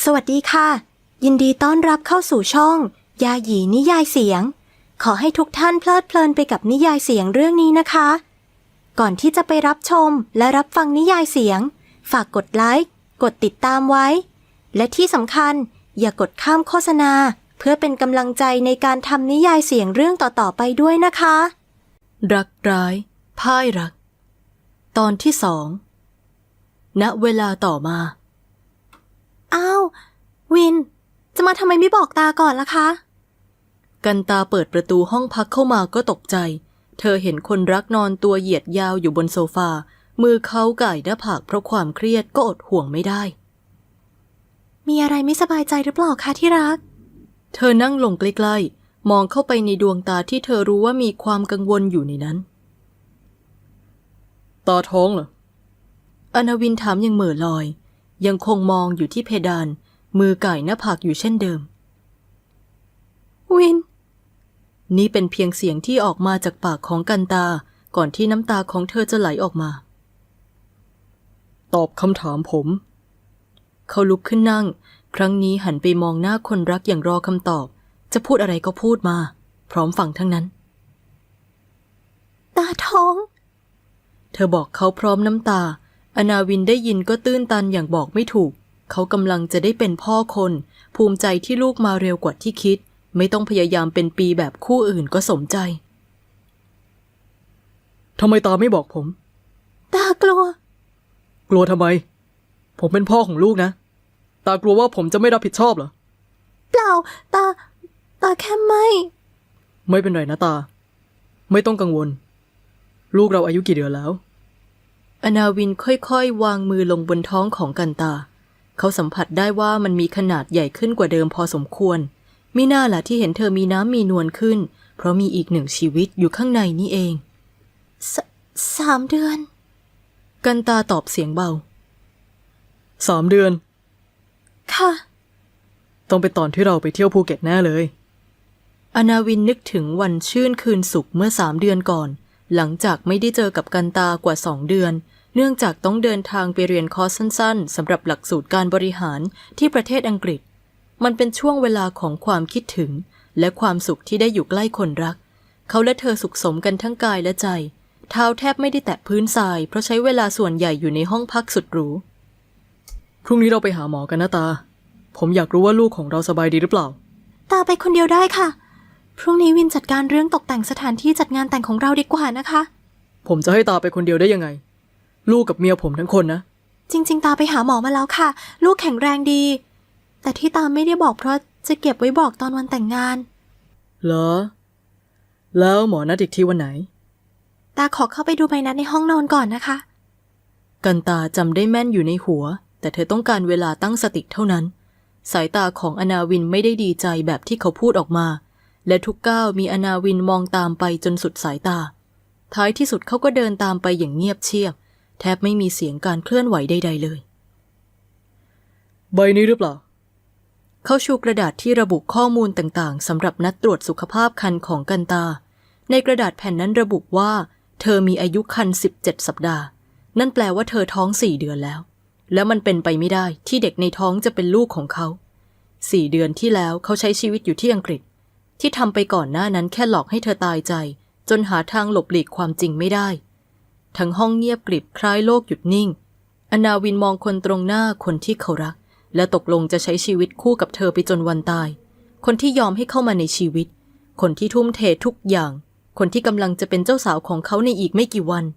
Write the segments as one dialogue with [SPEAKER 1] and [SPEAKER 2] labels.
[SPEAKER 1] สวัสดีค่ะยินดีต้อนรับเข้าสู่ช่องยาหยีนิยายเสียงขอให้ทุกท่านเพลิดเพลินไปกับนิยายเสียงเรื่องนี้นะคะก่อนที่จะไปรับชมและรับฟังนิยายเสียงฝากกดไลค์กดติดตามไว้และที่สำคัญอย่ากดข้ามโฆษณาเพื่อเป็นกำลังใจในการทำนิยายเสียงเรื่องต่อๆไปด้วยนะคะรักร้ายพ่ายรักตอนที่2ณเวลาต่อมาอ้าววินจะมาทำไมไม่บอกตาก่อนล่ะคะกันตาเปิดประตูห้องพักเข้ามาก็ตกใจเธอเห็นคนรักนอนตัวเหยียดยาวอยู่บนโซฟามือเขาก่ายหน้าผากเพราะความเครียดก็อดห่วงไม่ได้มีอะไรไม่สบายใจหรือเปล่าคะที่รักเธอนั่งลงใกล้ๆมองเข้าไปในดวงตาที่เธอรู้ว่ามีความกังวลอยู่ในนั้นตาท้องเหรออนาวินถามอย่างเหม่อลอยยังคงมองอยู่ที่เพดานมือก่ายหน้าผากอยู่เช่นเดิมวินนี่เป็นเพียงเสียงที่ออกมาจากปากของกันตาก่อนที่น้ำตาของเธอจะไหลออกมาตอบคำถามผมเขาลุกขึ้นนั่งครั้งนี้หันไปมองหน้าคนรักอย่างรอคำตอบจะพูดอะไรก็พูดมาพร้อมฟังทั้งนั้นตาท้องเธอบอกเขาพร้อมน้ำตาอนาวินได้ยินก็ตื้นตันอย่างบอกไม่ถูกเขากำลังจะได้เป็นพ่อคนภูมิใจที่ลูกมาเร็วกว่าที่คิดไม่ต้องพยายามเป็นปีแบบคู่อื่นก็สมใจทำไมตาไม่บอกผมตากลัวกลัวทำไมผมเป็นพ่อของลูกนะตากลัวว่าผมจะไม่รับผิดชอบเหรอเปล่าตาแค่ไม่เป็นไรนะตาไม่ต้องกังวลลูกเราอายุกี่เดือนแล้วอนาวินค่อยๆวางมือลงบนท้องของกันตาเขาสัมผัสได้ว่ามันมีขนาดใหญ่ขึ้นกว่าเดิมพอสมควรมิน่าล่ะที่เห็นเธอมีน้ำมีนวลขึ้นเพราะมีอีก1ชีวิตอยู่ข้างในนี่เอง3 เดือนกันตาตอบเสียงเบา3 เดือนค่ะต้องเป็นตอนที่เราไปเที่ยวภูเก็ตแน่เลยอนาวินนึกถึงวันชื่นคืนสุขเมื่อ3 เดือนก่อนหลังจากไม่ได้เจอกับกันตากว่า2 เดือนเนื่องจากต้องเดินทางไปเรียนคอร์สสั้นๆสำหรับหลักสูตรการบริหารที่ประเทศอังกฤษมันเป็นช่วงเวลาของความคิดถึงและความสุขที่ได้อยู่ใกล้คนรักเขาและเธอสุขสมกันทั้งกายและใจเท้าแทบไม่ได้แตะพื้นทรายเพราะใช้เวลาส่วนใหญ่อยู่ในห้องพักสุดหรูพรุ่งนี้เราไปหาหมอกันนะตาผมอยากรู้ว่าลูกของเราสบายดีหรือเปล่าตาไปคนเดียวได้ค่ะพรุ่งนี้วินจัดการเรื่องตกแต่งสถานที่จัดงานแต่งของเราดีกว่านะคะผมจะให้ตาไปคนเดียวได้ยังไงลูกกับเมียผมทั้งคนนะจริงๆตาไปหาหมอมาแล้วค่ะลูกแข็งแรงดีแต่ที่ตาไม่ได้บอกเพราะจะเก็บไว้บอกตอนวันแต่งงานเหรอแล้วหมอนัดอีกทีวันไหนตาขอเข้าไปดูใบนัดในห้องนอนก่อนนะคะกันตาจำได้แม่นอยู่ในหัวแต่เธอต้องการเวลาตั้งสติเท่านั้นสายตาของอนาวินไม่ได้ดีใจแบบที่เขาพูดออกมาและทุกก้าวมีอนาวินมองตามไปจนสุดสายตาท้ายที่สุดเขาก็เดินตามไปอย่างเงียบเชียบแทบไม่มีเสียงการเคลื่อนไหวใดๆเลยใบนี้หรือเปล่าเขาชูกระดาษที่ระบุข้อมูลต่างๆสำหรับนัดตรวจสุขภาพครรภ์ของกันตาในกระดาษแผ่นนั้นระบุว่าเธอมีอายุครรภ์17 สัปดาห์นั่นแปลว่าเธอท้อง4 เดือนแล้วและมันเป็นไปไม่ได้ที่เด็กในท้องจะเป็นลูกของเขา4 เดือนที่แล้วเขาใช้ชีวิตอยู่ที่อังกฤษที่ทำไปก่อนหน้านั้นแค่หลอกให้เธอตายใจจนหาทางหลบหลีกความจริงไม่ได้ทั้งห้องเงียบกริบคล้ายโลกหยุดนิ่งอนาวินมองคนตรงหน้าคนที่เขารักและตกลงจะใช้ชีวิตคู่กับเธอไปจนวันตายคนที่ยอมให้เข้ามาในชีวิตคนที่ทุ่มเททุกอย่างคนที่กำลังจะเป็นเจ้าสาวของเขาในอีกไม่กี่วัน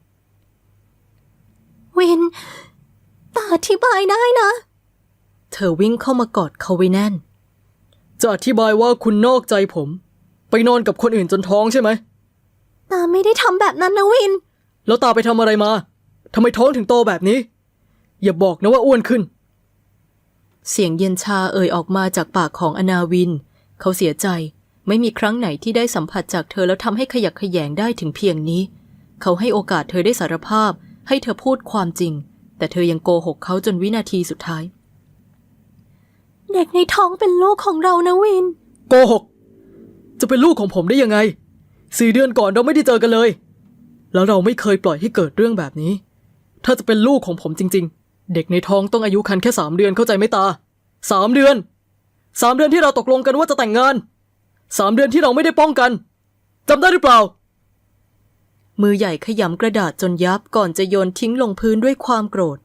[SPEAKER 1] วินตาอธิบายได้นะเธอวิ่งเข้ามากอดเขาไว้แน่นจะอธิบายว่าคุณนอกใจผมไปนอนกับคนอื่นจนท้องใช่ไหมตาไม่ได้ทำแบบนั้นนะวินแล้วตาไปทำอะไรมาทำไมท้องถึงโตแบบนี้อย่าบอกนะว่าอ้วนขึ้นเสียงเย็นชาเอ่ยออกมาจากปากของอนาวินเขาเสียใจไม่มีครั้งไหนที่ได้สัมผัสจากเธอแล้วทำให้ขยักขยงได้ถึงเพียงนี้เขาให้โอกาสเธอได้สารภาพให้เธอพูดความจริงแต่เธอยังโกหกเขาจนวินาทีสุดท้ายเด็กในท้องเป็นลูกของเรานะวินโกหกจะเป็นลูกของผมได้ยังไง4 เดือนก่อนเราไม่ได้เจอกันเลยแล้วเราไม่เคยปล่อยให้เกิดเรื่องแบบนี้ถ้าจะเป็นลูกของผมจริงๆเด็กในท้องต้องอายุครรภ์แค่3 เดือนเข้าใจไหมตา 3 เดือน 3 เดือนที่เราตกลงกันว่าจะแต่งงาน 3 เดือนที่เราไม่ได้ป้องกันจำได้หรือเปล่ามือใหญ่ขยำกระดาษจนยับก่อนจะโยนทิ้งลงพื้นด้วยความโกรธ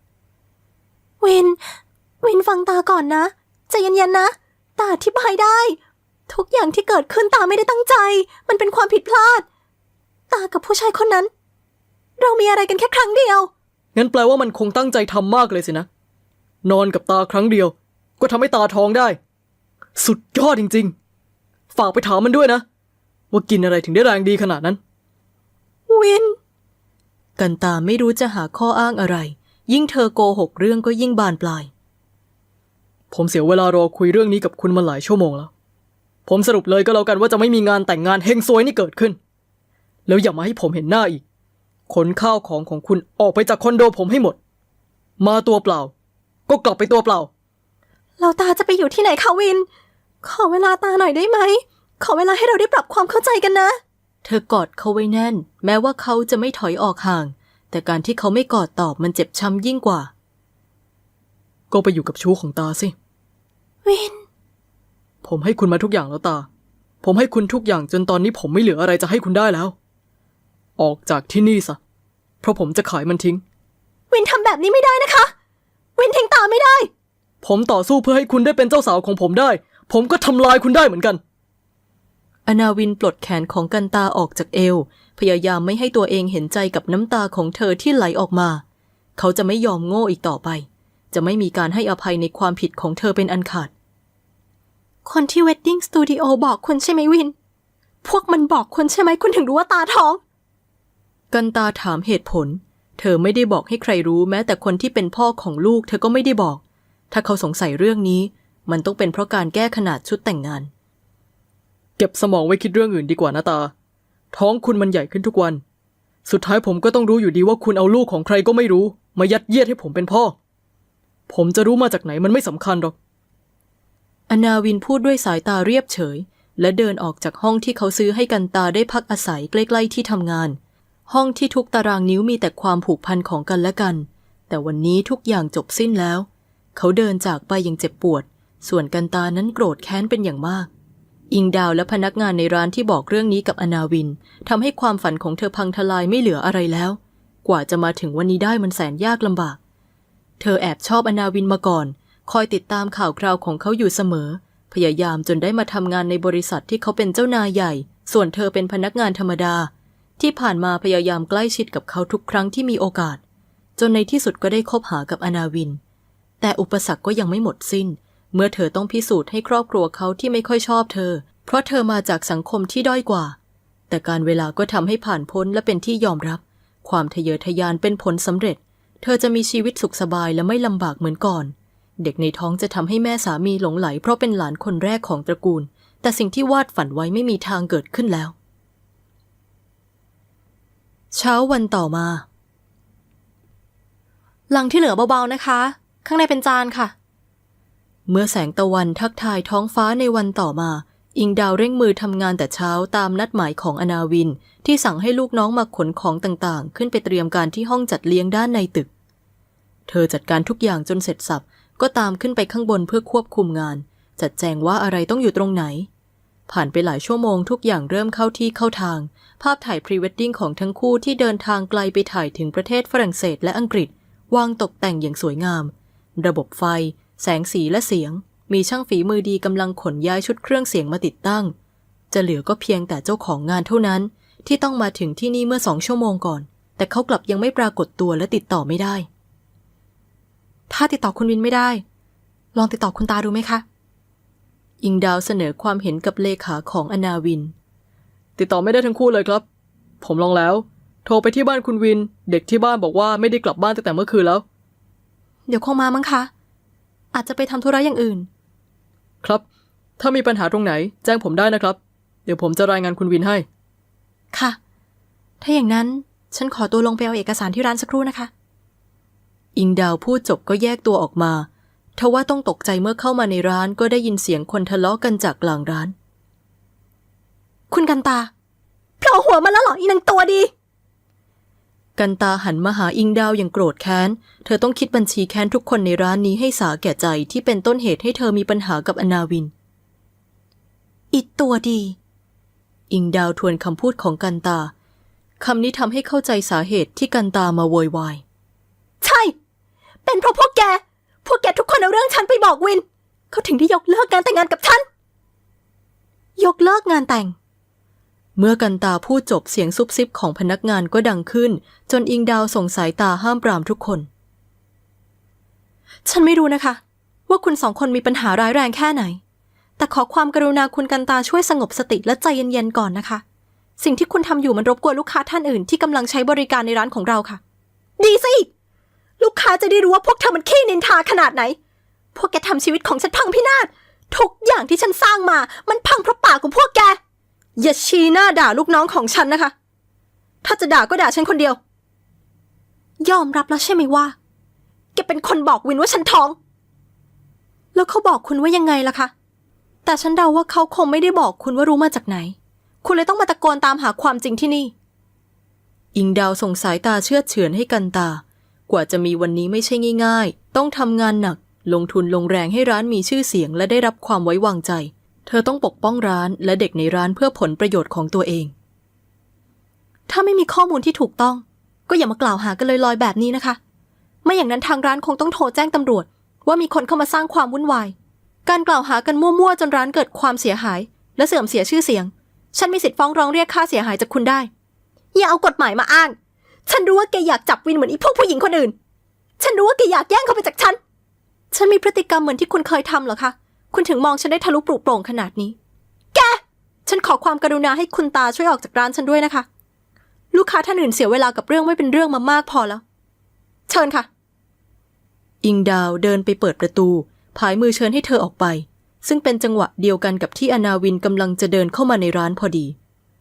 [SPEAKER 2] วินฟังตาก่อนนะใจเย็นๆนะตาอธิบายได้ทุกอย่างที่เกิดขึ้นตาไม่ได้ตั้งใจมันเป็นความผิดพลาดตากับผู้ชายคนนั้นเรามีอะไรกันแค่ครั้งเดียว
[SPEAKER 1] งั้นแปลว่ามันคงตั้งใจทำมากเลยสินะนอนกับตาครั้งเดียวก็ทำให้ตาท้องได้สุดยอดจริงๆฝากไปถามมันด้วยนะว่ากินอะไรถึงได้แรงดีขนาดนั้น
[SPEAKER 2] วิน
[SPEAKER 3] กันตาไม่รู้จะหาข้ออ้างอะไรยิ่งเธอโกหกเรื่องก็ยิ่งบานปลาย
[SPEAKER 1] ผมเสียเวลารอคุยเรื่องนี้กับคุณมาหลายชั่วโมงแล้วผมสรุปเลยก็แล้วกันว่าจะไม่มีงานแต่งงานเฮงซวยนี่เกิดขึ้นแล้วอย่ามาให้ผมเห็นหน้าอีกขนข้าวของคุณออกไปจากคอนโดผมให้หมดมาตัวเปล่าก็กลับไปตัวเปล่า
[SPEAKER 2] เราตาจะไปอยู่ที่ไหนคะวินขอเวลาตาหน่อยได้ไหมขอเวลาให้เราได้ปรับความเข้าใจกันนะ
[SPEAKER 3] เธอกอดเขาไว้แน่นแม้ว่าเขาจะไม่ถอยออกห่างแต่การที่เขาไม่กอดตอบมันเจ็บช้ำยิ่งกว่า
[SPEAKER 1] ก็ไปอยู่กับชู้ของตาสิ
[SPEAKER 2] วิน
[SPEAKER 1] ผมให้คุณมาทุกอย่างแล้วตาผมให้คุณทุกอย่างจนตอนนี้ผมไม่เหลืออะไรจะให้คุณได้แล้วออกจากที่นี่ซะเพราะผมจะขายมันทิ้ง
[SPEAKER 2] วินทำแบบนี้ไม่ได้นะคะวินทิ้งตาไม่ได้
[SPEAKER 1] ผมต่อสู้เพื่อให้คุณได้เป็นเจ้าสาวของผมได้ผมก็ทำลายคุณได้เหมือนกัน
[SPEAKER 3] อนาวินปลดแขนของกันตาออกจากเอวพยายามไม่ให้ตัวเองเห็นใจกับน้ำตาของเธอที่ไหลออกมาเขาจะไม่ยอมโง่อีกต่อไปจะไม่มีการให้อภัยในความผิดของเธอเป็นอันขาด
[SPEAKER 2] คนที่เวดดิ้งสตูดิโอบอกคุณใช่ไหมวินพวกมันบอกคุณใช่ไหมคุณถึงรู้ว่าตาท้อง
[SPEAKER 3] กันตาถามเหตุผลเธอไม่ได้บอกให้ใครรู้แม้แต่คนที่เป็นพ่อของลูกเธอก็ไม่ได้บอกถ้าเขาสงสัยเรื่องนี้มันต้องเป็นเพราะการแก้ขนาดชุดแต่งงาน
[SPEAKER 1] เก็บสมองไว้คิดเรื่องอื่นดีกว่านะตาท้องคุณมันใหญ่ขึ้นทุกวันสุดท้ายผมก็ต้องรู้อยู่ดีว่าคุณเอาลูกของใครก็ไม่รู้มายัดเยียดให้ผมเป็นพ่อผมจะรู้มาจากไหนมันไม่สำคัญหรอก
[SPEAKER 3] อนาวินพูดด้วยสายตาเรียบเฉยและเดินออกจากห้องที่เขาซื้อให้กันตาได้พักอาศัยใกล้ๆที่ทำงานห้องที่ทุกตารางนิ้วมีแต่ความผูกพันของกันและกันแต่วันนี้ทุกอย่างจบสิ้นแล้วเขาเดินจากไปอย่างเจ็บปวดส่วนกันตานั้นโกรธแค้นเป็นอย่างมากอิงดาวและพนักงานในร้านที่บอกเรื่องนี้กับอนาวินทำให้ความฝันของเธอพังทลายไม่เหลืออะไรแล้วกว่าจะมาถึงวันนี้ได้มันแสนยากลำบากเธอแอบชอบอนาวินมาก่อนคอยติดตามข่าวคราวของเขาอยู่เสมอพยายามจนได้มาทำงานในบริษัทที่เขาเป็นเจ้านายใหญ่ส่วนเธอเป็นพนักงานธรรมดาที่ผ่านมาพยายามใกล้ชิดกับเขาทุกครั้งที่มีโอกาสจนในที่สุดก็ได้คบหากับอนาวินแต่อุปสรรคก็ยังไม่หมดสิ้นเมื่อเธอต้องพิสูจน์ให้ครอบครัวเขาที่ไม่ค่อยชอบเธอเพราะเธอมาจากสังคมที่ด้อยกว่าแต่การเวลาก็ทำให้ผ่านพ้นและเป็นที่ยอมรับความทะเยอทะยานเป็นผลสำเร็จเธอจะมีชีวิตสุขสบายและไม่ลำบากเหมือนก่อนเด็กในท้องจะทำให้แม่สามีหลงไหลเพราะเป็นหลานคนแรกของตระกูลแต่สิ่งที่วาดฝันไว้ไม่มีทางเกิดขึ้นแล้วเช้าวันต่อมา
[SPEAKER 2] หลังที่เหลือเบาๆนะคะข้างในเป็นจานค่ะ
[SPEAKER 3] เมื่อแสงตะวันทักทายท้องฟ้าในวันต่อมาอิงดาวเร่งมือทำงานแต่เช้าตามนัดหมายของอนาวินที่สั่งให้ลูกน้องมาขนของต่างๆขึ้นไปเตรียมการที่ห้องจัดเลี้ยงด้านในตึกเธอจัดการทุกอย่างจนเสร็จสับก็ตามขึ้นไปข้างบนเพื่อควบคุมงานจัดแจงว่าอะไรต้องอยู่ตรงไหนผ่านไปหลายชั่วโมงทุกอย่างเริ่มเข้าที่เข้าทางภาพถ่ายพรีเวดดิ้งของทั้งคู่ที่เดินทางไกลไปถ่ายถึงประเทศฝรั่งเศสและอังกฤษวางตกแต่งอย่างสวยงามระบบไฟแสงสีและเสียงมีช่างฝีมือดีกำลังขนย้ายชุดเครื่องเสียงมาติดตั้งจะเหลือก็เพียงแต่เจ้าของงานเท่านั้นที่ต้องมาถึงที่นี่เมื่อ2 ชั่วโมงก่อนแต่เขากลับยังไม่ปรากฏตัวและติดต่อไม่ได้
[SPEAKER 2] ถ้าติดต่อคุณวินไม่ได้ลองติดต่อคุณตาดูไหมคะ
[SPEAKER 3] อิงดาวเสนอความเห็นกับเลขาของอนาวิน
[SPEAKER 1] ติดต่อไม่ได้ทั้งคู่เลยครับผมลองแล้วโทรไปที่บ้านคุณวินเด็กที่บ้านบอกว่าไม่ได้กลับบ้านตั้งแต่เมื่อคืนแล้ว
[SPEAKER 2] เดี๋ยวคงมามั้งคะอาจจะไปทำธุระอย่างอื่น
[SPEAKER 1] ครับถ้ามีปัญหาตรงไหนแจ้งผมได้นะครับเดี๋ยวผมจะรายงานคุณวินให้
[SPEAKER 2] ค่ะถ้าอย่างนั้นฉันขอตัวลงไปเอาเอกสารที่ร้านสักครู่นะคะ
[SPEAKER 3] อิงดาวพูดจบก็แยกตัวออกมาทว่าต้องตกใจเมื่อเข้ามาในร้านก็ได้ยินเสียงคนทะเลาะกันจากกลางร้าน
[SPEAKER 2] คุณกันตาโผล่หัวมาแล้วเหรออีนางตัวดี
[SPEAKER 3] กันตาหันมาหาอิงดาวอย่างโกรธแค้นเธอต้องคิดบัญชีแค้นทุกคนในร้านนี้ให้สาแก่ใจที่เป็นต้นเหตุให้เธอมีปัญหากับอนาวินอิดตัวดีอิงดาวทวนคำพูดของกันตาคำนี้ทำให้เข้าใจสาเหตุที่กันตามาโวยวาย
[SPEAKER 2] ใช่ เป็นเพราะพวกแกทุกคนเอาเรื่องฉันไปบอกวินเขาถึงได้ยกเลิกการแต่งงานกับฉันยกเลิกงานแต่ง
[SPEAKER 3] เมื่อกันตาพูดจบเสียงซุบซิบของพนักงานก็ดังขึ้นจนอิงดาวส่งสายตาห้ามปรามทุกคน
[SPEAKER 2] ฉันไม่รู้นะคะว่าคุณสองคนมีปัญหาร้ายแรงแค่ไหนแต่ขอความกรุณาคุณกันตาช่วยสงบสติและใจเย็นๆก่อนนะคะสิ่งที่คุณทำอยู่มันรบกวนลูกค้าท่านอื่นที่กำลังใช้บริการในร้านของเราค่ะดีสิลูกค้าจะได้รู้ว่าพวกเธอมันขี้นินทาขนาดไหนพวกแกทำชีวิตของฉันพังพินาศทุกอย่างที่ฉันสร้างมามันพังเพราะปากของพวกแกอย่าชี้หน้าด่าลูกน้องของฉันนะคะถ้าจะด่าก็ด่าฉันคนเดียวยอมรับแล้วใช่ไหมว่าแกเป็นคนบอกวินว่าฉันท้องแล้วเขาบอกคุณว่ายังไงล่ะคะแต่ฉันเดาว่าเขาคงไม่ได้บอกคุณว่ารู้มาจากไหนคุณเลยต้องมาตะโกนตามหาความจริงที่นี่
[SPEAKER 3] อิงดาวส่งสายตาเชื่อเฉือนให้กันตากว่าจะมีวันนี้ไม่ใช่ง่ายๆต้องทำงานหนักลงทุนลงแรงให้ร้านมีชื่อเสียงและได้รับความไว้วางใจเธอต้องปกป้องร้านและเด็กในร้านเพื่อผลประโยชน์ของตัวเอง
[SPEAKER 2] ถ้าไม่มีข้อมูลที่ถูกต้องก็อย่ามากล่าวหากันลอยๆแบบนี้นะคะไม่อย่างนั้นทางร้านคงต้องโทรแจ้งตำรวจว่ามีคนเข้ามาสร้างความวุ่นวายการกล่าวหากันมั่วๆจนร้านเกิดความเสียหายและเสื่อมเสียชื่อเสียงฉันมีสิทธิ์ฟ้องร้องเรียกค่าเสียหายจากคุณได้อย่าเอากฎหมายมาอ้างฉันรู้ว่าแกอยากจับวินเหมือนอีพวกผู้หญิงคนอื่นฉันรู้ว่าแกอยากแย่งเขาไปจากฉันมีพฤติกรรมเหมือนที่คุณเคยทำเหรอคะคุณถึงมองฉันได้ทะลุปลุกโปร่งขนาดนี้แกฉันขอความกรุณาให้คุณตาช่วยออกจากร้านฉันด้วยนะคะลูกค้าท่านอื่นเสียเวลากับเรื่องไม่เป็นเรื่องมามากพอแล้วเชิญค่ะ
[SPEAKER 3] อิงดาวเดินไปเปิดประตูผายมือเชิญให้เธอออกไปซึ่งเป็นจังหวะเดียวกันกับที่อนาวินกำลังจะเดินเข้ามาในร้านพอดี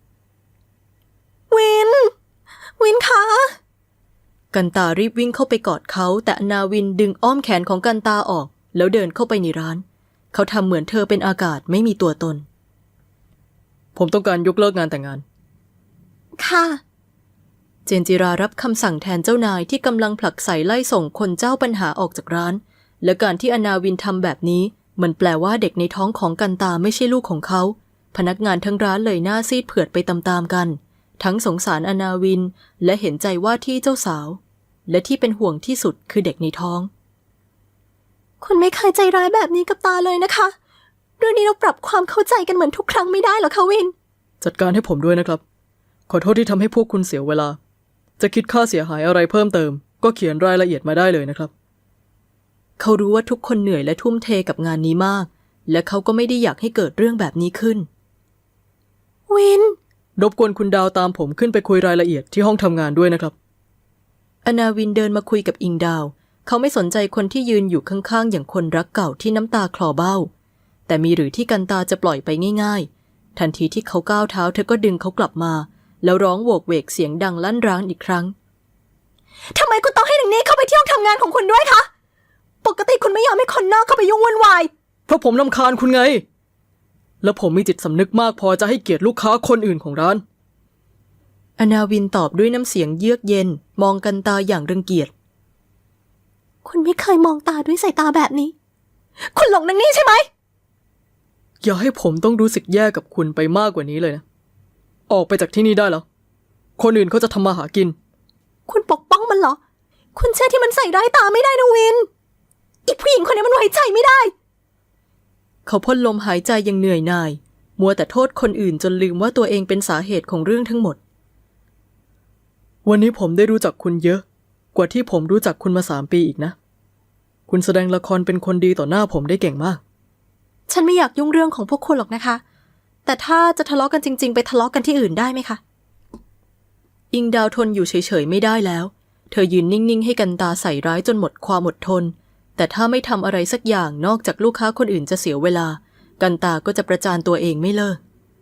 [SPEAKER 2] วินคะ
[SPEAKER 3] กันตารีบวิ่งเข้าไปกอดเขาแต่อนาวินดึงอ้อมแขนของกันตาออกแล้วเดินเข้าไปในร้านเขาทำเหมือนเธอเป็นอากาศไม่มีตัวตน
[SPEAKER 1] ผมต้องการยกเลิกงานแต่งงาน
[SPEAKER 2] ค่ะ
[SPEAKER 3] เจนจิรารับคำสั่งแทนเจ้านายที่กำลังผลักไสไล่ส่งคนเจ้าปัญหาออกจากร้านและการที่อนาวินทำแบบนี้มันแปลว่าเด็กในท้องของกันตาไม่ใช่ลูกของเขาพนักงานทั้งร้านเลยหน้าซีดเผือดไปตามๆกันทั้งสงสารอนาวินและเห็นใจว่าที่เจ้าสาวและที่เป็นห่วงที่สุดคือเด็กในท้อง
[SPEAKER 2] คุณไม่เคยใจร้ายแบบนี้กับตาเลยนะคะเรื่องนี้เราปรับความเข้าใจกันเหมือนทุกครั้งไม่ได้หรอคะวิน
[SPEAKER 1] จัดการให้ผมด้วยนะครับขอโทษที่ทำให้พวกคุณเสียเวลาจะคิดค่าเสียหายอะไรเพิ่มเติมก็เขียนรายละเอียดมาได้เลยนะครับ
[SPEAKER 3] เขารู้ว่าทุกคนเหนื่อยและทุ่มเทกับงานนี้มากและเขาก็ไม่ได้อยากให้เกิดเรื่องแบบนี้ขึ้น
[SPEAKER 2] วิน
[SPEAKER 1] รบกวนคุณดาวตามผมขึ้นไปคุยรายละเอียดที่ห้องทำงานด้วยนะครับ
[SPEAKER 3] อนาวินเดินมาคุยกับอิงดาวเขาไม่สนใจคนที่ยืนอยู่ข้างๆอย่างคนรักเก่าที่น้ำตาคลอเบ้าแต่มีหรือที่กันตาจะปล่อยไปง่ายๆทันทีที่เขาก้าวเท้าเธอก็ดึงเขากลับมาแล้วร้องโวกเวกเสียงดังลั่นร้านอีกครั้ง
[SPEAKER 2] ทำไมคุณต้องให้หนึ่งนี้เข้าไปที่ห้องทำงานของคุณด้วยคะปกติคุณไม่ยอมให้คนนอกเข้าไปยุ่งวุ่นวาย
[SPEAKER 1] เพราะผมรำคาญคุณไงและผมมีจิตสำนึกมากพอจะให้เกียรติลูกค้าคนอื่นของร้าน
[SPEAKER 3] อนาวินตอบด้วยน้ำเสียงเยือกเย็นมองกันตาอย่างรังเกียจ
[SPEAKER 2] คุณไม่เคยมองตาด้วยสายตาแบบนี้คุณหลงนางนี่ใช่ไหม
[SPEAKER 1] อย่าให้ผมต้องรู้สึกแย่กับคุณไปมากกว่านี้เลยนะออกไปจากที่นี่ได้แล้วคนอื่นเขาจะทำมาหากิน
[SPEAKER 2] คุณปกป้องมันเหรอคุณเชื่อที่มันใส่ร้ายตาไม่ได้นะวินอีผู้หญิงคนนี้มันไว้ใจไม่ได้
[SPEAKER 3] เขาพ่นลมหายใจอย่างเหนื่อยหน่ายมัวแต่โทษคนอื่นจนลืมว่าตัวเองเป็นสาเหตุของเรื่องทั้งหมด
[SPEAKER 1] วันนี้ผมได้รู้จักคุณเยอะกว่าที่ผมรู้จักคุณมา3 ปีอีกนะคุณแสดงละครเป็นคนดีต่อหน้าผมได้เก่งมาก
[SPEAKER 2] ฉันไม่อยากยุ่งเรื่องของพวกคุณหรอกนะคะแต่ถ้าจะทะเลาะกันจริงๆไปทะเลาะกันที่อื่นได้ไหมคะ
[SPEAKER 3] อิงดาวทนอยู่เฉยๆไม่ได้แล้วเธอยืนนิ่งๆให้กันตาใส่ร้ายจนหมดความอดทนแต่ถ้าไม่ทำอะไรสักอย่างนอกจากลูกค้าคนอื่นจะเสียเวลากันตาก็จะประจานตัวเองไม่เลิก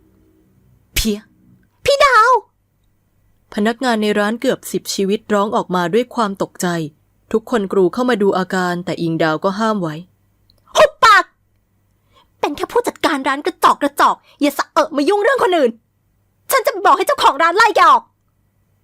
[SPEAKER 2] พี่ดาว
[SPEAKER 3] พนักงานในร้านเกือบ10 ชีวิตร้องออกมาด้วยความตกใจทุกคนกรูเข้ามาดูอาการแต่อิงดาวก็ห้ามไว้
[SPEAKER 2] หุบปากเป็นแค่ผู้จัดการร้านกระจอกอย่าสะมายุ่งเรื่องคนอื่นฉันจะไปบอกให้เจ้าของร้านไล่แกออก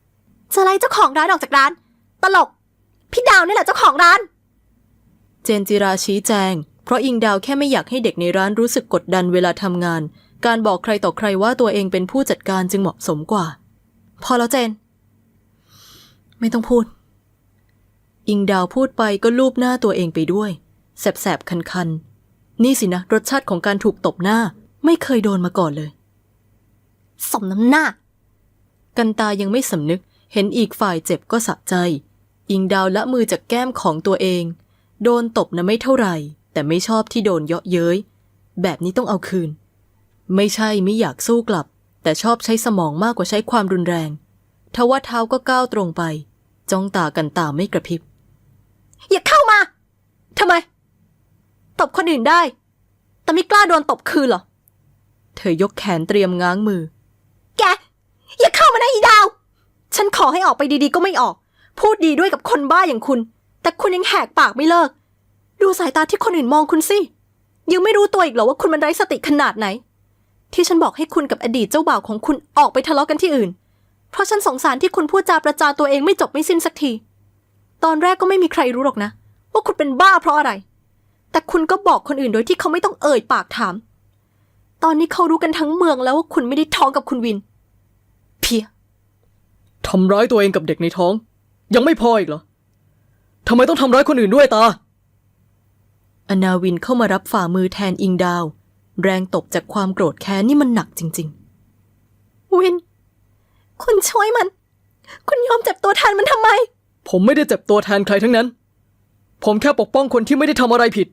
[SPEAKER 2] จะไล่เจ้าของร้านออกจากร้าน ตลก พี่ดาวนี่แหละเจ้าของร้าน
[SPEAKER 3] เจนจิราชี้แจง เพราะอิงดาวแค่ไม่อยากให้เด็กในร้านรู้สึกกดดันเวลาทำงาน การบอกใครต่อใครว่าตัวเองเป็นผู้จัดการจึงเหมาะสมกว่า
[SPEAKER 2] พอแล้วเจน
[SPEAKER 3] ไม่ต้องพูด อิงดาวพูดไปก็ลูบหน้าตัวเองไปด้วย แสบๆคันๆนี่สินะรสชาติของการถูกตบหน้าไม่เคยโดนมาก่อนเลย
[SPEAKER 2] สมน้ำหน้า
[SPEAKER 3] กันตายังไม่สำนึกเห็นอีกฝ่ายเจ็บก็สะใจ อิงดาวละมือจากแก้มของตัวเองโดนตบนะไม่เท่าไหร่แต่ไม่ชอบที่โดนเยาะเย้ยแบบนี้ต้องเอาคืนไม่ใช่ไม่อยากสู้กลับแต่ชอบใช้สมองมากกว่าใช้ความรุนแรงทว่าเท้าก็ก้าวตรงไปจ้องตากันตาไม่กระพริบ
[SPEAKER 2] อย่าเข้ามาทำไม ตบคนอื่นได้ แต่ไม่กล้าโดนตบคืนเหรอ
[SPEAKER 3] เธอยกแขนเตรียมง้างมือ
[SPEAKER 2] แก อย่าเข้ามานะอีดาว ฉันขอให้ออกไปดีๆก็ไม่ออก พูดดีด้วยกับคนบ้าอย่างคุณ แต่คุณยังแหกปากไม่เลิก ดูสายตาที่คนอื่นมองคุณสิยังไม่รู้ตัวอีกเหรอว่าคุณมันไร้สติขนาดไหน ที่ฉันบอกให้คุณกับอดีตเจ้าบ่าวของคุณออกไปทะเลาะกันที่อื่น เพราะฉันสงสารที่คุณพูดจาประจานตัวเองไม่จบไม่สิ้นสักที ตอนแรกก็ไม่มีใครรู้หรอกนะว่าคุณเป็นบ้าเพราะอะไร แต่คุณก็บอกคนอื่นโดยที่เขาไม่ต้องเอ่ยปากถาม ตอนนี้เขารู้กันทั้งเมืองแล้วว่าคุณไม่ได้ท้องกับคุณวิน เพีย
[SPEAKER 1] ทำร้ายตัวเองกับเด็กในท้อง ยังไม่พออีกเหรอทำไมต้องทำร้ายคนอื่นด้วยตา
[SPEAKER 3] อนาวินเข้ามารับฝ่ามือแทนอิงดาว แรงตบจากความโกรธแค้นนี่มันหนักจริงๆ
[SPEAKER 2] วิน คุณช่วยมัน คุณยอมเจ็บตัวแทนมันทำไม
[SPEAKER 1] ผมไม่ได้เจ็บตัวแทนใครทั้งนั้น ผมแค่ปกป้องคนที่ไม่ได้ทำอะไรผิด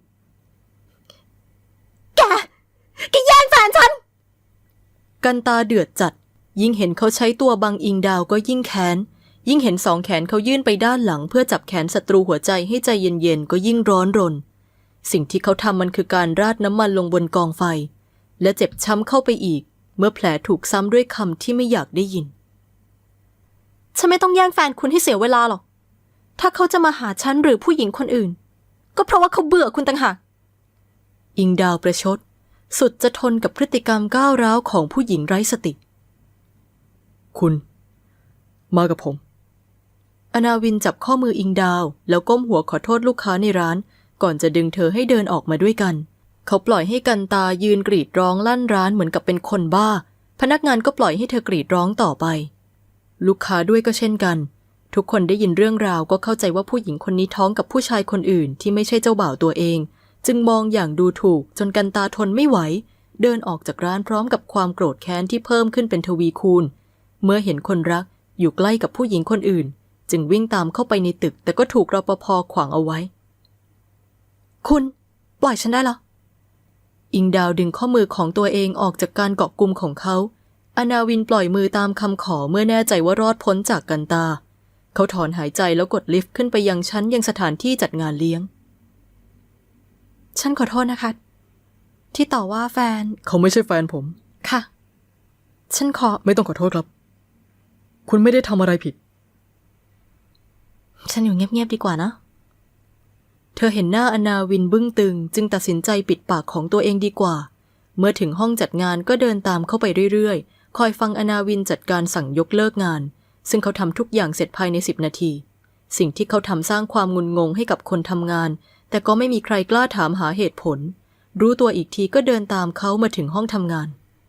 [SPEAKER 2] แกแย่งแฟนฉัน
[SPEAKER 3] กันตาเดือดจัดยิ่งเห็นเขาใช้ตัวบังอิงดาวก็ยิ่งแค้นยิ่งเห็นสองแขนเขายื่นไปด้านหลังเพื่อจับแขนศัตรูหัวใจให้ใจเย็นๆก็ยิ่งร้อนรนสิ่งที่เขาทำมันคือการราดน้ำมันลงบนกองไฟและเจ็บช้ำเข้าไปอีกเมื่อแผลถูกซ้ำด้วยคำที่ไม่อยากได้ยิน
[SPEAKER 2] ฉันไม่ต้องแย่งแฟนคุณให้เสียเวลาหรอก ถ้าเขาจะมาหาฉันหรือผู้หญิงคนอื่น ก็เพราะว่าเขาเบื่อคุณต่างหาก
[SPEAKER 3] อิงดาวประชดสุดจะทนกับพฤติกรรมก้าวร้าวของผู้หญิงไร้สติ
[SPEAKER 1] คุณ มากับผม
[SPEAKER 3] อนาวินจับข้อมืออิงดาวแล้วก้มหัวขอโทษลูกค้าในร้านก่อนจะดึงเธอให้เดินออกมาด้วยกันเขาปล่อยให้กันตายืนกรีดร้องลั่นร้านเหมือนกับเป็นคนบ้าพนักงานก็ปล่อยให้เธอกรีดร้องต่อไปลูกค้าด้วยก็เช่นกันทุกคนได้ยินเรื่องราวก็เข้าใจว่าผู้หญิงคนนี้ท้องกับผู้ชายคนอื่นที่ไม่ใช่เจ้าบ่าวตัวเองจึงมองอย่างดูถูกจนกันตาทนไม่ไหวเดินออกจากร้านพร้อมกับความโกรธแค้นที่เพิ่มขึ้นเป็นทวีคูณเมื่อเห็นคนรักอยู่ใกล้กับผู้หญิงคนอื่นจึงวิ่งตามเข้าไปในตึกแต่ก็ถูกรปภ.ขวางเอาไว้
[SPEAKER 2] คุณปล่อยฉันได้แล้ว
[SPEAKER 3] อิงดาวดึงข้อมือของตัวเองออกจากการเกาะกุมของเขาอนาวินปล่อยมือตามคำขอเมื่อแน่ใจว่ารอดพ้นจากกันตาเขาถอนหายใจแล้วกดลิฟต์ขึ้นไปยังชั้นยังสถานที่จัดงานเลี้ยง
[SPEAKER 2] ฉันขอโทษนะคะที่ต่อว่าแฟน
[SPEAKER 1] เขาไม่ใช่แฟนผม
[SPEAKER 2] ค่ะฉัน
[SPEAKER 1] ไม่ต้องขอโทษครับคุณไม่ได้ทำอะไรผิด
[SPEAKER 2] ฉันอยู่เงียบๆดีกว่านะ
[SPEAKER 3] เธอเห็นหน้าอนาวินบึ้งตึงจึงตัดสินใจปิดปากของตัวเองดีกว่าเมื่อถึงห้องจัดงานก็เดินตามเข้าไปเรื่อยๆคอยฟังอนาวินจัดการสั่งยกเลิกงานซึ่งเขาทำทุกอย่างเสร็จภายใน10 นาทีสิ่งที่เขาทำสร้างความงุนงงให้กับคนทำงานแต่ก็ไม่มีใครกล้าถามหาเหตุผลรู้ตัวอีกทีก็เดินตามเขามาถึงห้องทำงาน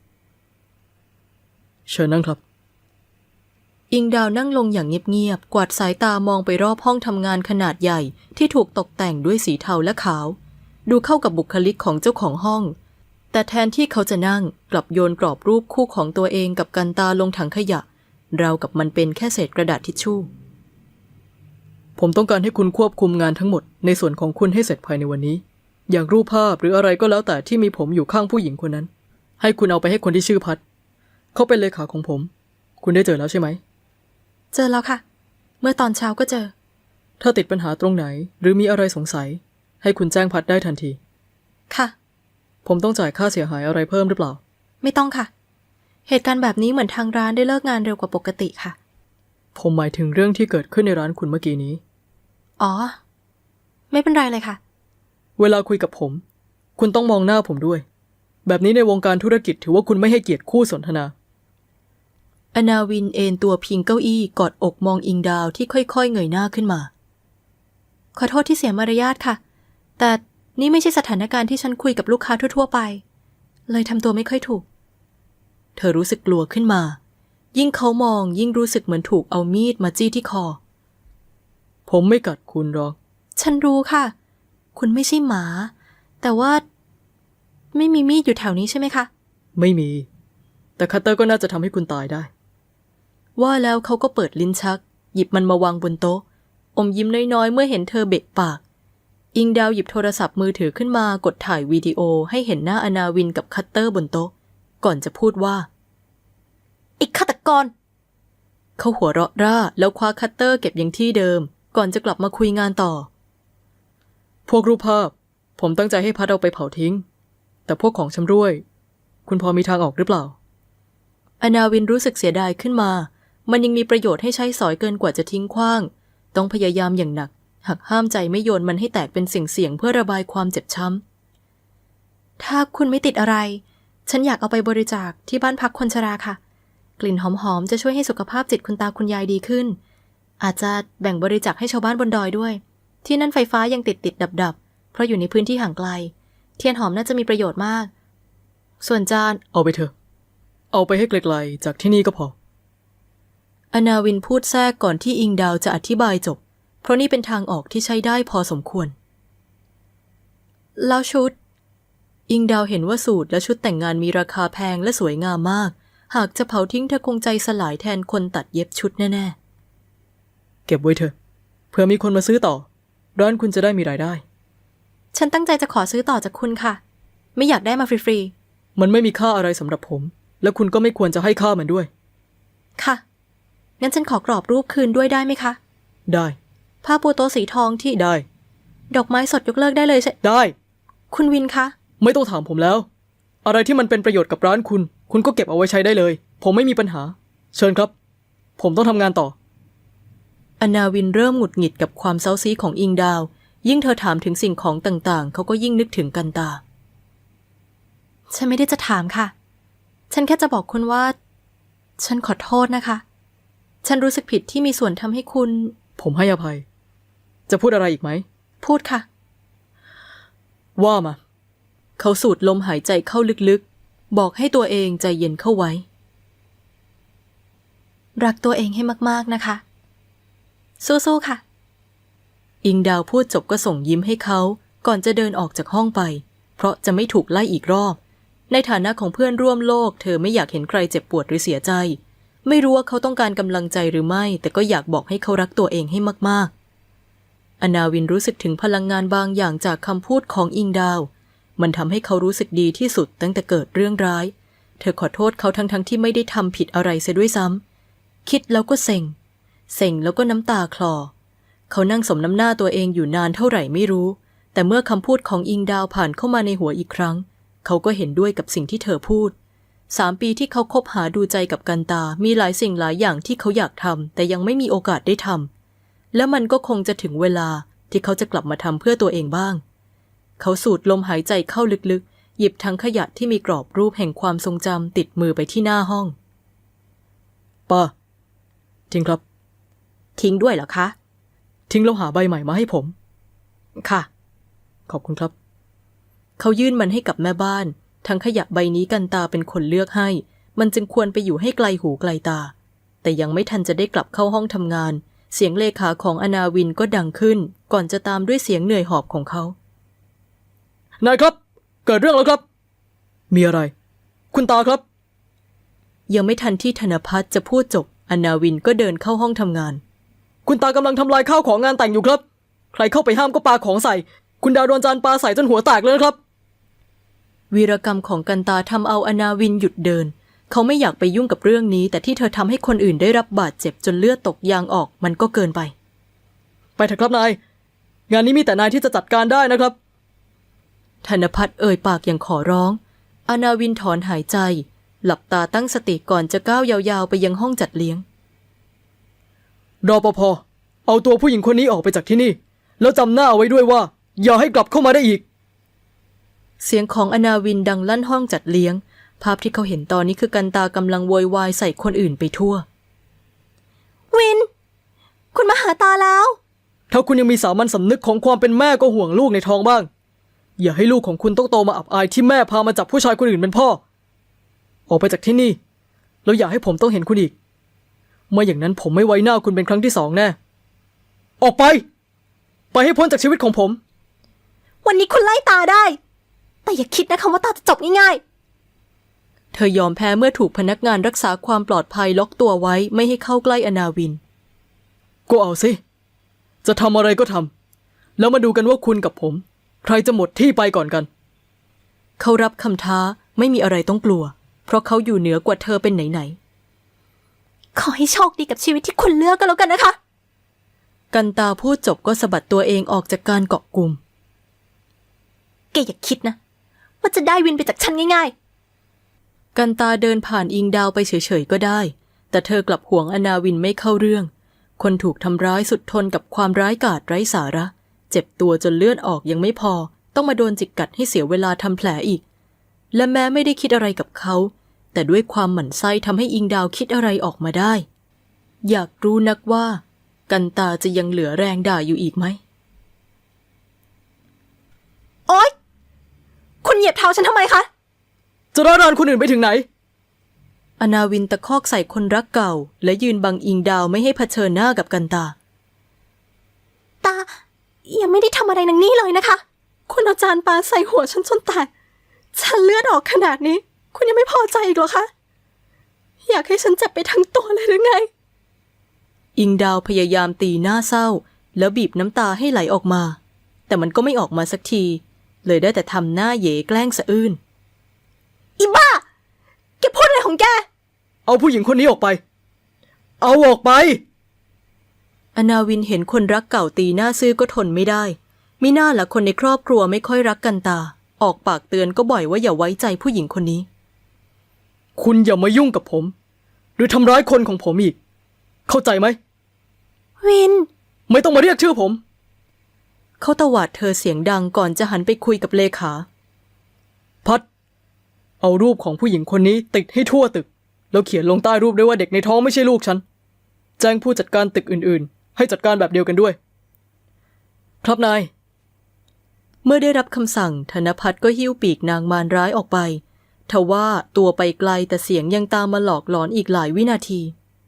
[SPEAKER 1] เชิญนั่งครับ
[SPEAKER 3] อิงดาวนั่งลงอย่างเงียบๆกวาดสายตามองไปรอบห้องทำงานขนาดใหญ่ที่ถูกตกแต่งด้วยสีเทาและขาวดูเข้ากับบุคลิกของเจ้าของห้องแต่แทนที่เขาจะนั่งกลับโยนกรอบรูปคู่ของตัวเองกับกันตาลงถังขยะราวกับมันเป็นแค่เศษกระดาษทิชชู่
[SPEAKER 1] ผมต้องการให้คุณควบคุมงานทั้งหมดในส่วนของคุณให้เสร็จภายในวันนี้อย่างรูปภาพหรืออะไรก็แล้วแต่ที่มีผมอยู่ข้างผู้หญิงคนนั้นให้คุณเอาไปให้คนที่ชื่อพัดเขาเป็นเลขาของผมคุณได้เจอแล้วใช่ไหม
[SPEAKER 2] เจอแล้วค่ะเมื่อตอนเช้าก็เจอ
[SPEAKER 1] ถ้าติดปัญหาตรงไหนหรือมีอะไรสงสัยให้คุณแจ้งพัดได้ทันที
[SPEAKER 2] ค่ะ
[SPEAKER 1] ผมต้องจ่ายค่าเสียหายอะไรเพิ่มหรือเปล่า
[SPEAKER 2] ไม่ต้องค่ะเหตุการณ์แบบนี้เหมือนทางร้านได้เลิกงานเร็วกว่าปกติค่ะ
[SPEAKER 1] ผมหมายถึงเรื่องที่เกิดขึ้นในร้านคุณเมื่อกี้นี้
[SPEAKER 2] อ๋อไม่เป็นไรเลยค่ะ
[SPEAKER 1] เวลาคุยกับผมคุณต้องมองหน้าผมด้วยแบบนี้ในวงการธุรกิจถือว่าคุณไม่ให้เกียรติคู่สนทนา
[SPEAKER 3] อนาวินเอนตัวพิงเก้าอี้กอดอกมองอิงดาวที่ค่อยๆเงยหน้าขึ้นมาขอโทษที่เสียมารยาทค่ะแต่นี่ไม่ใช่สถานการณ์ที่ฉันคุยกับลูกค้าทั่วๆไปเลยทำตัวไม่ค่อยถูกเธอรู้สึกกลัวขึ้นมายิ่งเขามองยิ่งรู้สึกเหมือนถูกเอามีดมาจี้ที่คอ
[SPEAKER 1] ผมไม่กัดคุณหรอก
[SPEAKER 3] ฉันรู้ค่ะคุณไม่ใช่หมาแต่ว่าไม่มีมีดอยู่แถวนี้ใช่ไหมคะ
[SPEAKER 1] ไม่มีแต่คัตเตอร์ก็น่าจะทำให้คุณตายได้
[SPEAKER 3] ว่าแล้วเขาก็เปิดลิ้นชักหยิบมันมาวางบนโต๊ะอมยิ้มน้อยๆเมื่อเห็นเธอเบะปากอิงดาวหยิบโทรศัพท์มือถือขึ้นมากดถ่ายวิดีโอให้เห็นหน้าอนาวินกับคัตเตอร์บนโต๊ะก่อนจะพูดว่าอีกฆาตกรเขาหัวเราะร่าแล้วคว้าคัตเตอร์เก็บยังที่เดิมก่อนจะกลับมาคุยงานต่อ
[SPEAKER 1] พวกรูปภาพผมตั้งใจให้พัดเอาไปเผาทิ้งแต่พวกของชำร่วยคุณพอมีทางออกหรือเปล่า
[SPEAKER 3] อนาวินรู้สึกเสียดายขึ้นมามันยังมีประโยชน์ให้ใช้สอยเกินกว่าจะทิ้งขว้างต้องพยายามอย่างหนักหักห้ามใจไม่โยนมันให้แตกเป็นเสี่ยงๆเพื่อระบายความเจ็บช้ำถ้าคุณไม่ติดอะไรฉันอยากเอาไปบริจาคที่บ้านพักคนชราค่ะกลิ่นหอมๆจะช่วยให้สุขภาพจิตคุณตาคุณยายดีขึ้นอาจจะแบ่งบริจาคให้ชาวบ้านบนดอยด้วยที่นั่นไฟฟ้ายังติดดับเพราะอยู่ในพื้นที่ห่างไกลเทียนหอมน่าจะมีประโยชน์มากส่วนจาน
[SPEAKER 1] เอาไปเถอะเอาไปให้ไกลๆจากที่นี่ก็พอ
[SPEAKER 3] อนาวินพูดแทรกก่อนที่อิงดาวจะอธิบายจบเพราะนี่เป็นทางออกที่ใช้ได้พอสมควรแล้วชุดอิงดาวเห็นว่าสูทและชุดแต่งงานมีราคาแพงและสวยงามมากหากจะเผาทิ้งเธอคงใจสลายแทนคนตัดเย็บชุดแน่
[SPEAKER 1] ๆเก็บไว้เถอะเผื่อมีคนมาซื้อต่อร้านคุณจะได้มีรายได้
[SPEAKER 3] ฉันตั้งใจจะขอซื้อต่อจากคุณค่ะไม่อยากได้มาฟรี
[SPEAKER 1] ๆมันไม่มีค่าอะไรสำหรับผมและคุณก็ไม่ควรจะให้ค่ามันด้วย
[SPEAKER 3] ค่ะงั้นฉันขอกรอบรูปคืนด้วยได้ไหมคะ
[SPEAKER 1] ได้
[SPEAKER 3] ผ้าปูโต๊ะสีทองที่
[SPEAKER 1] ได้
[SPEAKER 3] ดอกไม้สดยกเลิกได้เลยใช่
[SPEAKER 1] ได้
[SPEAKER 3] คุณวินคะ
[SPEAKER 1] ไม่ต้องถามผมแล้วอะไรที่มันเป็นประโยชน์กับร้านคุณก็เก็บเอาไว้ใช้ได้เลยผมไม่มีปัญหาเชิญครับผมต้องทำงานต่อ
[SPEAKER 3] อนาวินเริ่มหงุดหงิดกับความเซ้าซี้ของอิงดาวยิ่งเธอถามถึงสิ่งของต่างๆเขาก็ยิ่งนึกถึงกันตาฉันไม่ได้จะถามค่ะฉันแค่จะบอกคุณว่าฉันขอโทษนะคะฉันรู้สึกผิดที่มีส่วนทำให้คุณ
[SPEAKER 1] ผมให้อภัยจะพูดอะไรอีกไหม
[SPEAKER 3] พูดค่ะ
[SPEAKER 1] ว่ามา
[SPEAKER 3] เขาสูดลมหายใจเข้าลึกๆบอกให้ตัวเองใจเย็นเข้าไว้รักตัวเองให้มากๆนะคะสู้ๆค่ะอิงดาวพูดจบก็ส่งยิ้มให้เขาก่อนจะเดินออกจากห้องไปเพราะจะไม่ถูกไล่อีกรอบในฐานะของเพื่อนร่วมโลกเธอไม่อยากเห็นใครเจ็บปวดหรือเสียใจไม่รู้ว่าเขาต้องการกำลังใจหรือไม่แต่ก็อยากบอกให้เขารักตัวเองให้มากๆอนาวินรู้สึกถึงพลังงานบางอย่างจากคำพูดของอิงดาวมันทำให้เขารู้สึกดีที่สุดตั้งแต่เกิดเรื่องร้ายเธอขอโทษเขาทั้งที่ไม่ได้ทำผิดอะไรเสียด้วยซ้ำคิดแล้วก็เซ็งแล้วก็น้ำตาคลอเขานั่งสมน้ำหน้าตัวเองอยู่นานเท่าไหร่ไม่รู้แต่เมื่อคำพูดของอิงดาวผ่านเข้ามาในหัวอีกครั้งเขาก็เห็นด้วยกับสิ่งที่เธอพูด3 ปีที่เขาคบหาดูใจกับกันตามีหลายสิ่งหลายอย่างที่เขาอยากทำแต่ยังไม่มีโอกาสได้ทำและมันก็คงจะถึงเวลาที่เขาจะกลับมาทำเพื่อตัวเองบ้างเขาสูดลมหายใจเข้าลึกๆหยิบถังขยะที่มีกรอบรูปแห่งความทรงจำติดมือไปที่หน้าห้อง
[SPEAKER 1] ป้าทิ้งครับ
[SPEAKER 3] ทิ้งด้วยเหรอคะ
[SPEAKER 1] ทิ้งแล้วหาใบใหม่มาให้ผม
[SPEAKER 3] ค่ะ
[SPEAKER 1] ขอบคุณครับ
[SPEAKER 3] เขายื่นมันให้กับแม่บ้านทั้งขยะใบนี้กันตาเป็นคนเลือกให้มันจึงควรไปอยู่ให้ไกลหูไกลตาแต่ยังไม่ทันจะได้กลับเข้าห้องทำงานเสียงเลขาของอนาวินก็ดังขึ้นก่อนจะตามด้วยเสียงเหนื่อยหอบของเขา
[SPEAKER 1] นายครับเกิดเรื่องแล้วครับมีอะไรคุณตาครับ
[SPEAKER 3] ยังไม่ทันที่ธนภัทรจะพูดจบอนาวินก็เดินเข้าห้องทำงาน
[SPEAKER 1] คุณตากำลังทำลายข้าวของงานแต่งอยู่ครับใครเข้าไปห้ามก็ปาของใส่คุณดาวโดนจานปาใส่จนหัวแตกเลยนะครับ
[SPEAKER 3] วีรกรรมของกันตาทำเอาอนาวินหยุดเดินเขาไม่อยากไปยุ่งกับเรื่องนี้แต่ที่เธอทำให้คนอื่นได้รับบาดเจ็บจนเลือดตกยางออกมันก็เกินไป
[SPEAKER 1] เถอะครับนายงานนี้มีแต่นายที่จะจัดการได้นะครับ
[SPEAKER 3] ธนภัทรเอ่ยปากอย่างขอร้องอนาวินถอนหายใจหลับตาตั้งสติก่อนจะก้าวยาวๆไปยังห้องจัดเลี้ยง
[SPEAKER 1] รปภ.เอาตัวผู้หญิงคนนี้ออกไปจากที่นี่แล้วจำหน้าเอาไว้ด้วยว่าอย่าให้กลับเข้ามาได้อีก
[SPEAKER 3] เสียงของอนาวินดังลั่นห้องจัดเลี้ยงภาพที่เขาเห็นตอนนี้คือกันตากำลังโวยวายใส่คนอื่นไปทั่ว
[SPEAKER 2] วิน คุณมาหาตาแล้ว
[SPEAKER 1] ถ้าคุณยังมีสามัญสำนึกของความเป็นแม่ก็ห่วงลูกในท้องบ้าง อย่าให้ลูกของคุณต้องโตมาอับอายที่แม่พามาจับผู้ชายคนอื่นเป็นพ่อ ออกไปจากที่นี่แล้วอย่าให้ผมต้องเห็นคุณอีกไม่อย่างนั้นผมไม่ไว้หน้าคุณเป็นครั้งที่2แน่ออกไปให้พ้นจากชีวิตของผม
[SPEAKER 2] วันนี้คุณไล่ตาได้ แต่อย่าคิดนะคะว่าตาจะจบง่ายๆ
[SPEAKER 3] เธอยอมแพ้เมื่อถูกพนักงานรักษาความปลอดภัยล็อกตัวไว้ไม่ให้เข้าใกล้อนาวิน
[SPEAKER 1] ก็เอาสิจะทำอะไรก็ทำแล้วมาดูกันว่าคุณกับผมใครจะหมดที่ไปก่อนกัน
[SPEAKER 3] เขารับคำท้าไม่มีอะไรต้องกลัวเพราะเขาอยู่เหนือกว่าเธอเป็นไหน
[SPEAKER 2] ขอให้โชคดีกับชีวิตที่คุณเลือกก็แล้วกันนะคะ
[SPEAKER 3] ๆกันตาพูดจบก็สะบัดตัวเองออกจากการเกาะกลุ่ม
[SPEAKER 2] แกอย่าคิดนะว่าจะได้วินไปจากฉันง่าย
[SPEAKER 3] กันตาเดินผ่านอิงดาวไปเฉยๆก็ได้แต่เธอกลับห่วงอนาวินไม่เข้าเรื่องคนถูกทำร้ายสุดทนกับความร้ายกาจไร้สาระเจ็บตัวจนเลือดออกยังไม่พอต้องมาโดนจิกกัดให้เสียเวลาทำแผลอีกและแม้ไม่ได้คิดอะไรกับเขาแต่ด้วยความหมั่นไส้ทำให้อิงดาวคิดอะไรออกมาได้อยากรู้นักว่ากันตาจะยังเหลือแรงด่าอยู่อีกไหม
[SPEAKER 2] ๆ โอ๊ย คุณเหยียบเท้าฉันทำไมคะ
[SPEAKER 1] จะร้านรานคนอื่นไปถึงไหน
[SPEAKER 3] อนาวินตะคอกใส่คนรักเก่าและยืนบังอิงดาวไม่ให้เผชิญหน้ากับกันตา
[SPEAKER 2] ตายังไม่ได้ทำอะไรนางนี่เลยนะคะ คุณเอาจานปลาใส่หัวฉันจนแตกฉันเลือดออกขนาดนี้ คุณยังไม่พอใจอีกเหรอคะ อยากให้ฉันเจ็บไปทั้งตัวเลยหรือไง
[SPEAKER 3] อิงดาวพยายามตีหน้าเศร้าแล้วบีบน้ำตาให้ไหลออกมาแต่มันก็ไม่ออกมาสักทีเลยได้แต่ทำหน้าเหย่แกล้งสะอื้น
[SPEAKER 2] อีบ้า แกพูดอะไรของแก
[SPEAKER 1] เอาผู้หญิงคนนี้ออกไป เอาออกไป
[SPEAKER 3] อนาวินเห็นคนรักเก่าตีหน้าซื่อก็ทนไม่ได้มิน่าล่ะคนในครอบครัวไม่ค่อยรักกันตาออกปากเตือนก็บ่อยว่าอย่าไว้ใจผู้หญิงคนนี้
[SPEAKER 1] คุณอย่ามายุ่งกับผมหรือทำร้ายคนของผมอีกเข้าใจไหม
[SPEAKER 2] วิน
[SPEAKER 1] ไม่ต้องมาเรียกชื่อผม
[SPEAKER 3] เขาตวาดเธอเสียงดังก่อนจะหันไปคุยกับเลขา
[SPEAKER 1] พัดเอารูปของผู้หญิงคนนี้ติดให้ทั่วตึกแล้วเขียนลงใต้รูปด้วยว่าเด็กในท้องไม่ใช่ลูกฉันแจ้งผู้จัดการตึกอื่นๆให้จัดการแบบเดียวกันด้วยครับนาย
[SPEAKER 3] เมื่อได้รับคำสั่งธนพัฒน์ก็หิ้วปีกนางมารร้ายออกไปทว่าตัวไปไกลแต่เสียงยังตามมาหลอกหลอนอีกหลายวินาที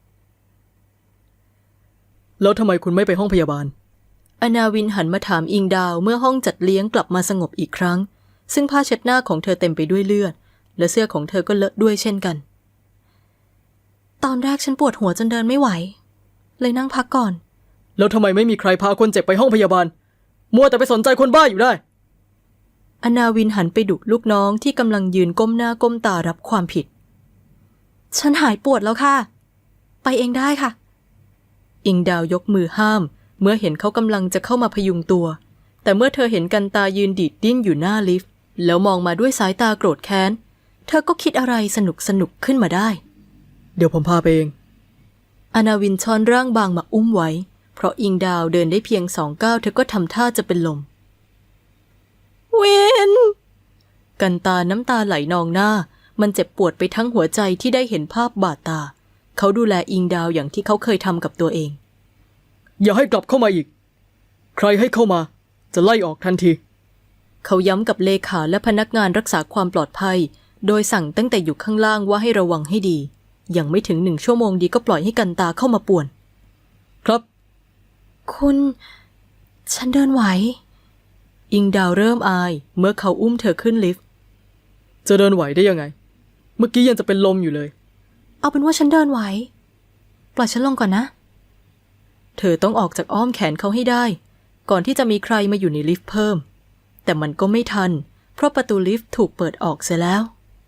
[SPEAKER 1] แล้วทำไมคุณไม่ไปห้องพยาบาล
[SPEAKER 3] อนาวินหันมาถามอิงดาวเมื่อห้องจัดเลี้ยงกลับมาสงบอีกครั้งซึ่งผ้าเช็ดหน้าของเธอเต็มไปด้วยเลือดและเสื้อของเธอก็เลอะด้วยเช่นกันตอนแรกฉันปวดหัวจนเดินไม่ไหวเลยนั่งพักก่อน
[SPEAKER 1] แล้วทำไมไม่มีใครพาคนเจ็บไปห้องพยาบาลมัวแต่ไปสนใจคนบ้าอยู่ได้
[SPEAKER 3] อนาวินหันไปดุลูกน้องที่กำลังยืนก้มหน้าก้มตารับความผิดฉันหายปวดแล้วค่ะไปเองได้ค่ะอิงดาวยกมือห้ามเมื่อเห็นเขากำลังจะเข้ามาพยุงตัวแต่เมื่อเธอเห็นกันตายืนดีดดิ้นอยู่หน้าลิฟต์แล้วมองมาด้วยสายตาโกรธแค้นเธอก็คิดอะไรสนุกขึ้นมาได้
[SPEAKER 1] เดี๋ยวผมพาไปเอง
[SPEAKER 3] อนาวินช้อนร่างบางมาอุ้มไว้เพราะอิงดาวเดินได้เพียง2 ก้าวเธอก็ทำท่าจะเป็นลม
[SPEAKER 2] วิน
[SPEAKER 3] กันตาน้ำตาไหลนองหน้ามันเจ็บปวดไปทั้งหัวใจที่ได้เห็นภาพบาดตาเขาดูแลอิงดาวอย่างที่เขาเคยทำกับตัวเอง
[SPEAKER 1] อย่าให้กลับเข้ามาอีกใครให้เข้ามาจะไล่ออกทันที
[SPEAKER 3] เขาย้ำกับเลขาและพนักงานรักษาความปลอดภัยโดยสั่งตั้งแต่อยู่ข้างล่างว่าให้ระวังให้ดียังไม่ถึง1 ชั่วโมงดีก็ปล่อยให้กันตาเข้ามาป่วน
[SPEAKER 1] ครับ
[SPEAKER 2] คุณฉันเดินไหว
[SPEAKER 3] อิงดาวเริ่มอายเมื่อเขาอุ้มเธอขึ้นลิฟต์
[SPEAKER 1] จะเดินไหวได้ยังไงเมื่อกี้ยังจะเป็นลมอยู่เลย
[SPEAKER 2] เอาเป็นว่าฉันเดินไหวปล่อยฉันลงก่อนนะ
[SPEAKER 3] เธอต้องออกจากอ้อมแขนเขาให้ได้ก่อนที่จะมีใครมาอยู่ในลิฟต์เพิ่มแต่มันก็ไม่ทันเพราะประตูลิฟต์ถูกเปิดออกเสียแล้ว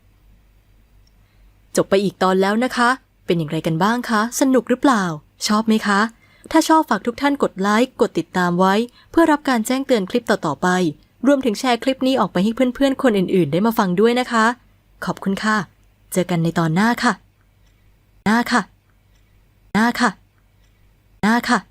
[SPEAKER 3] จบไปอีกตอนแล้วนะคะเป็นอย่างไรกันบ้างคะสนุกหรือเปล่าชอบไหมคะถ้าชอบฝากทุกท่านกดไลค์กดติดตามไว้เพื่อรับการแจ้งเตือนคลิปต่อๆไปรวมถึงแชร์คลิปนี้ออกไปให้เพื่อนๆคนอื่นๆได้มาฟังด้วยนะคะขอบคุณค่ะเจอกันในตอนหน้าค่ะหน้าค่ะ